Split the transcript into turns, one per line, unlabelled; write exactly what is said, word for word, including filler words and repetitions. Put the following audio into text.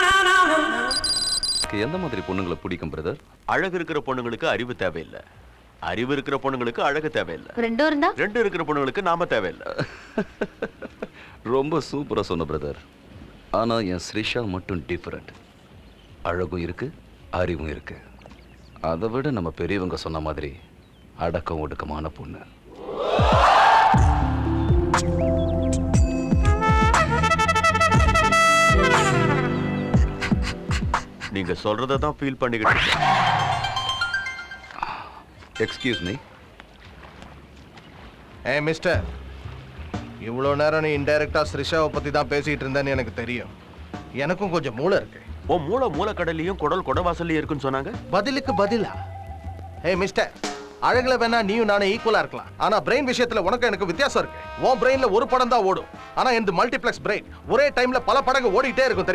எந்த மாதிரி பொண்ணுங்களை பிடிக்கும் பிரதர்?
அழகு இருக்கிற பொண்ணுங்களுக்கு அறிவு தேவையில்லை, அறிவு இருக்கிற பொண்ணுங்களுக்கு அழகு தேவையில்லை,
ரெண்டும் இருந்தா
ரெண்டு இருக்கிற பொண்ணுங்களுக்கு நாம தேவையில்லை.
ரொம்ப சூப்பரா சொன்ன பிரதர். ஆனா என் ஸ்ரிஷா மட்டும் டிஃபரெண்ட். அழகும் இருக்கு, அறிவும் இருக்கு. அதை விட நம்ம பெரியவங்க சொன்ன மாதிரி அடக்கம் ஒடுக்கமான பொண்ணு.
நீங்க சொல்றதை தான் ஃபீல் பண்ணிக்கிட்டு இருக்கேன்.
Excuse me.
ஏ மிஸ்டர், இவ்வளோ நேரம் நீ இன்டைரக்டா ஸ்ரிஷாவை பத்தி தான் பேசிட்டு இருந்தேன்னு எனக்கு தெரியும். எனக்கும் கொஞ்சம் மூளை இருக்கு.
ஓ மூளை மூளைக்கடலையும் குடல் குடவாசல்லையும் இருக்குன்னு சொன்னாங்க.
பதிலுக்கு பதிலா? ஏ மிஸ்டர், அழகுல வேணா நீயும் நானே ஈக்குவலா இருக்கலாம், ஆனா பிரெயின் விஷயத்துல உனக்கு எனக்கு வித்தியாசம் இருக்கு. உன் பிரெயின்ல ஒரு படம் தான் ஓடும், ஆனா இந்த மல்டிப்ளெக்ஸ் பிரெயின் ஒரே டைம்ல பல படங்கள் ஓடிட்டே இருக்கும் தெரியுமா?